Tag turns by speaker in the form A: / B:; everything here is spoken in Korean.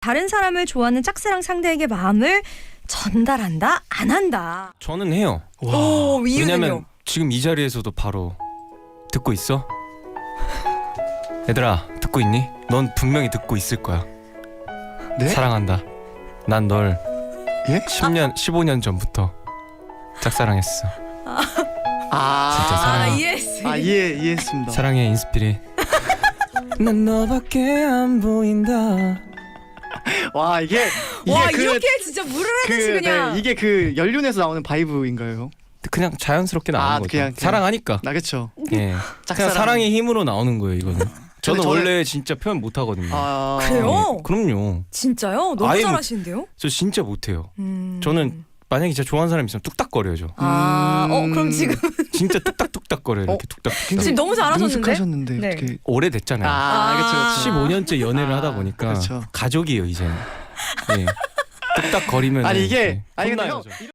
A: 다른 사람을 좋아하는 짝사랑 상대에게 마음을 전달한다? 안 한다?
B: 저는 해요.
A: 오, 이유는요?
B: 왜냐면 지금 이 자리에서도 바로 듣고 있어? 얘들아 듣고 있니? 넌 분명히 듣고 있을 거야.
C: 네?
B: 사랑한다. 난 널
C: 예?
B: 10년, 15년 전부터 짝사랑했어. 진짜 사랑해.
A: 이해했어요.
C: 이해했습니다.
B: 사랑해 인스피릿. 난 너밖에 안 보인다.
C: 와 이게
A: 와,
C: 그,
A: 이렇게 진짜 물을 하듯이 그냥.
C: 네, 이게 그 연륜에서 나오는 바이브인가요?
B: 그냥 자연스럽게 나오는 거죠.
C: 그냥.
B: 사랑하니까.
C: 나 그쵸.
B: 예. 그냥 사랑의 힘으로 나오는 거예요 이거는. 저는 원래 진짜 표현 못 하거든요.
A: 그래요?
B: 그럼요.
A: 진짜요? 너무
B: 아예
A: 잘하시는데요?
B: 저 진짜 못해요. 저는 만약에 진짜 좋아하는 사람 있으면 뚝딱거려요.
A: 그럼 지금
B: 진짜 뚝딱뚝딱거려요. 이렇게 뚝딱.
A: 지금 너무 잘하셨는데?
C: 능숙하셨는데
A: 네.
C: 어떻게?
B: 오래됐잖아요.
C: 그쵸.
B: 15년째 연애를 하다 보니까
C: 그렇죠.
B: 가족이에요 이제는. 예. 뚝딱거리면
C: 아니 이게 아니 근데
B: 혼나요,
C: 형
B: 저.